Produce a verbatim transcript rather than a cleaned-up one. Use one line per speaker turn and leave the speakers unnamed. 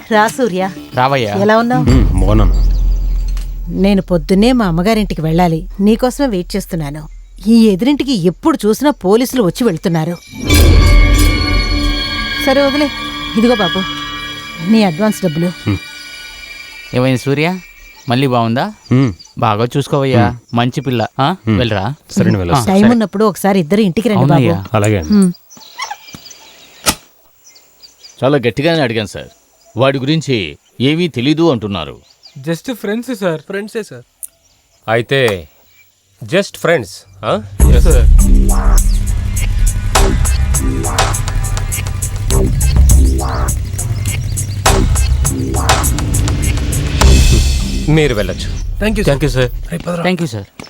రా సూర్య.
రావయ్యా.
ఎలా ఉన్నావు?
మోనం,
నేను పొద్దున్నే మా అమ్మగారింటికి వెళ్ళాలి. నీకోసమే వెయిట్ చేస్తున్నాను. ఈ ఎదురింటికి ఎప్పుడు చూసినా పోలీసులు వచ్చి వెళ్తున్నారు. సరే వదిలే. ఇదిగో బాబు నీ అడ్వాన్స్ డబ్బులు.
ఏమైంది సూర్య, మళ్ళీ బాగుందా? బాగా చూసుకోవయ్యా, మంచి పిల్ల. ఆ, వెళ్ళరా.
సరే వెళ్ళ.
టైం ఉన్నప్పుడు ఒకసారి ఇద్దరు ఇంటికి రండి బాబు.
అవునయ్యా.
అలాగే.
హ్మ్.
చాలా గట్టిగానే అడిగాను సార్. వాడి గురించి ఏమీ తెలీదు అంటున్నారు.
Just friends sir. ఫ్రెండ్సే సార్.
అయితే జస్ట్ ఫ్రెండ్స్.
Yes sir.
మీరు వెళ్ళొచ్చు.
Thank you
thank you sir.
Thank you sir.